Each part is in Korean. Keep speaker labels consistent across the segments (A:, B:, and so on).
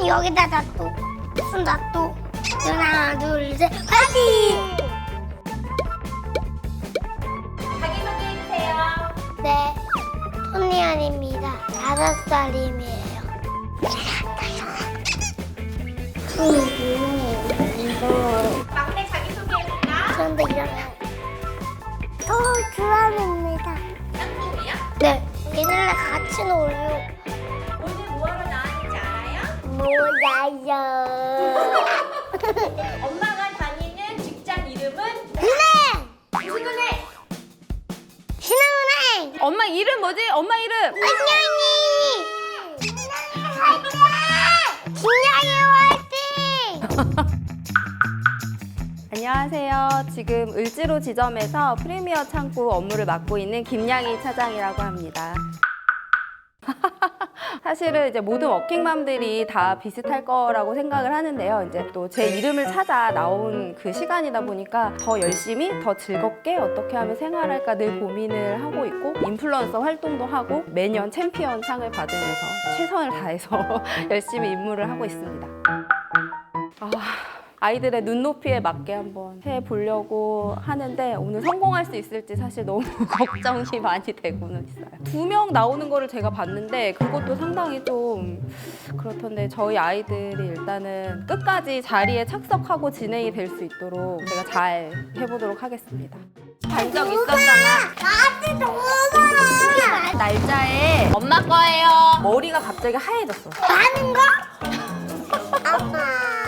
A: 여기다 놔둬. 손 놔둬. 하나, 둘, 셋, 화이팅!
B: 자기소개해주세요.
A: 네, 손리안입니다. 5살임이에요.
B: 막내 자기소개해볼까?
A: 그런데 이러면 주한입니다.
B: 짱꿍이야?
A: 네, 얘네랑 같이 놀아요.
B: 오늘 뭐하러 나왔는지 알아요?
A: 몰라요.
B: 엄마가 다니는 직장 이름은
A: 은행!
B: 무슨 은행?
A: 신한은행!
B: 엄마 이름 뭐지? 엄마 이름!
A: 안녕히! 김양이 화이팅!
C: 안녕하세요. 지금 을지로 지점에서 프리미어 창구 업무를 맡고 있는 김양희 차장이라고 합니다. 사실은 이제 모든 워킹맘들이 다 비슷할 거라고 생각을 하는데요. 이제 또 제 이름을 찾아 나온 그 시간이다 보니까 더 열심히, 더 즐겁게 어떻게 하면 생활할까 늘 고민을 하고 있고, 인플루언서 활동도 하고 매년 챔피언 상을 받으면서 최선을 다해서 열심히 임무를 하고 있습니다. 아이들의 눈높이에 맞게 한번 해보려고 하는데 오늘 성공할 수 있을지 사실 너무 걱정이 많이 되고는 있어요. 2명 나오는 거를 제가 봤는데 그것도 상당히 좀 그렇던데 저희 아이들이 일단은 끝까지 자리에 착석하고 진행이 될 수 있도록 제가 잘 해보도록 하겠습니다. 간 적 있었잖아.
A: 나한테 너무
C: 날짜에 엄마 거예요. 머리가 갑자기 하얘졌어.
A: 많은 거? 아빠.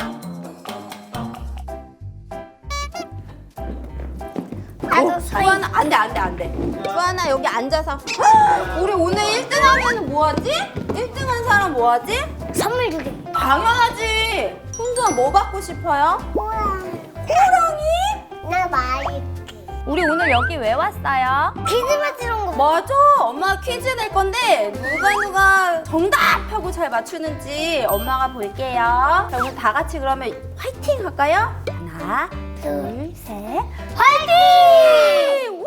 A: 나도
C: 수아나 안돼 수아나 여기 앉아서 우리 오늘 1등 하면 뭐하지? 1등 한 사람 뭐하지?
A: 선물 주게.
C: 당연하지. 혼자 뭐 받고 싶어요? 호랑이?
A: 나 말할게.
C: 우리 오늘 여기 왜 왔어요?
A: 퀴즈 맞추는 거.
C: 맞아. 엄마가 퀴즈 낼 건데 누가 정답하고 잘 맞추는지 엄마가 볼게요. 자, 오늘 다 같이 그러면 화이팅 할까요? 하나 둘 셋 화이팅! 우!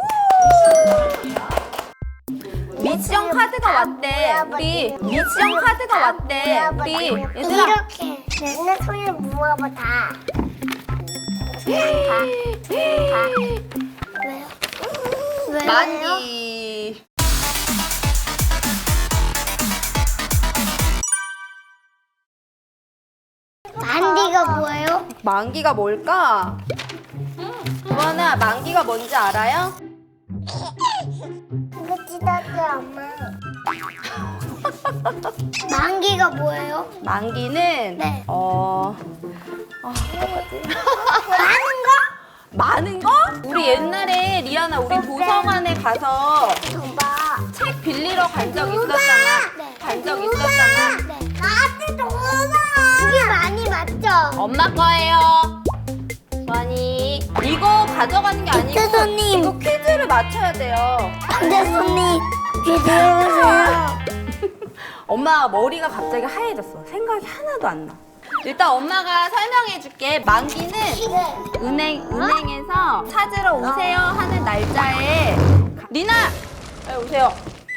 C: 미션 카드가 왔대. 우리 미션 카드가 왔대. 우리 얘들아.
A: 이렇게 내 손을 모아봐 다. 왜요? 왜요?
C: 만디.
A: 만디가 뭐예요?
C: 만기가 뭘까? 주원아, 만기가 뭔지 알아요?
A: 이거 찢었지 엄마. 만기가 뭐예요?
C: 만기는
A: 네.
C: 어떡하지?
A: 많은 거?
C: 많은 거? 우리 옛날에 리아나 우리 도서관에 가서
A: 줘봐.
C: 책 빌리러 간 적 있었잖아.
A: 네.
C: 간 적 있었잖아.
A: 네. 나한테 줘봐. 그게 많이 맞죠?
C: 엄마 거예요. 주원이 이거 가져가는 게 아니고
A: 교수님.
C: 이거 퀴즈를 맞춰야 돼요.
A: 교수님, 기대해보세요.
C: 엄마 머리가 갑자기 하얘졌어. 생각이 하나도 안 나. 일단 엄마가 설명해 줄게. 만기는 은행에서 찾으러 오세요 하는 날짜에 리나! 빨리 오세요.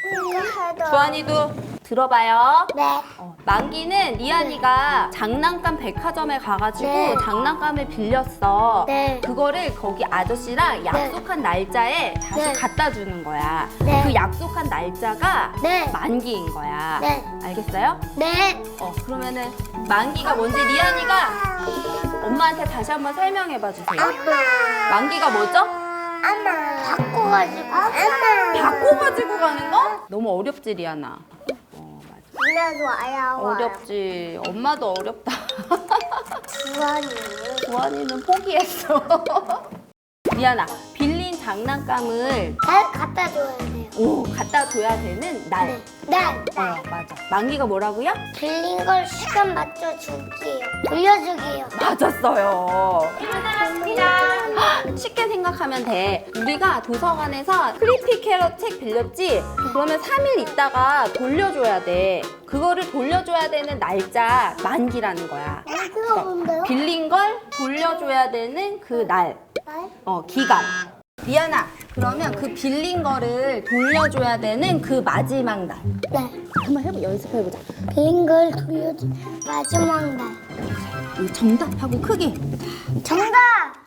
C: 주한이도 들어봐요.
A: 네.
C: 만기는 리안이가 장난감 백화점에 가가지고
A: 네.
C: 장난감을 빌렸어.
A: 네.
C: 그거를 거기 아저씨랑 약속한 날짜에 다시
A: 네.
C: 갖다 주는 거야.
A: 네.
C: 그 약속한 날짜가
A: 네.
C: 만기인 거야.
A: 네.
C: 알겠어요?
A: 네.
C: 그러면은 만기가 뭔지 리안이가 엄마한테 다시 한번 설명해봐 주세요.
A: 엄마.
C: 만기가 뭐죠?
A: 엄마. 바꿔가지고. 엄마.
C: 바꿔가지고 가는 거? 너무 어렵지 리안아.
A: 누나도 와요.
C: 어렵지. 엄마도 어렵다.
A: 주환이.
C: 주환이는 포기했어. 미안아. 빌린 장난감을
A: 날 갖다 줘야 돼요.
C: 갖다 줘야 되는 날.
A: 네. 날.
C: 맞아. 만기가 뭐라고요?
A: 빌린 걸 시간 맞춰 줄게요. 돌려주게요.
C: 맞았어요.
B: 나왔습니다.
C: 쉽게 생각하면 돼. 우리가 도서관에서 크리피 캐럿 책 빌렸지? 그러면 3일 있다가 돌려줘야 돼. 그거를 돌려줘야 되는 날짜 만기라는 거야.
A: 그거 뭔데요?
C: 빌린 걸 돌려줘야 되는 그 날.
A: 날?
C: 기간. 미안아, 그러면 그 빌린 거를 돌려줘야 되는 그 마지막 날.
A: 네.
C: 한번 연습해보자.
A: 빈 걸 돌려줘. 마지막 날.
C: 이 정답하고 크게.
A: 정답!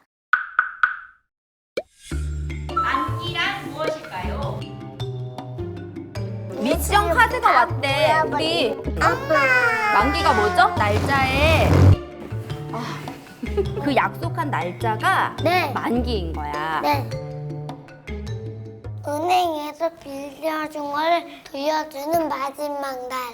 B: 만기란 무엇일까요?
C: 미션 카드가 왔대. 우리
A: 엄마!
C: 만기가 뭐죠? 날짜에 그 약속한 날짜가
A: 네.
C: 만기인 거야.
A: 네. 은행에서 빌려준 걸 돌려주는 마지막 날.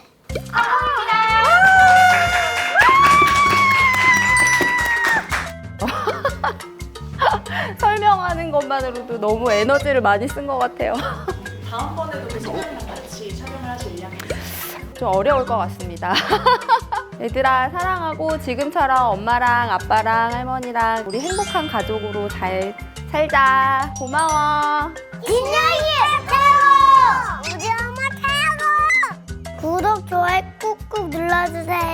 C: 설명하는 것만으로도 너무 에너지를 많이 쓴 것 같아요.
D: 다음번에도 그 선생님이랑 같이 촬영을 하실 예정이세요?
C: 좀 어려울 것 같습니다. 얘들아 사랑하고 지금처럼 엄마랑 아빠랑 할머니랑 우리 행복한 가족으로 잘 살자. 고마워.
A: 인형이 최고! 우리 엄마 최고! 구독, 좋아요 꾹꾹 눌러주세요.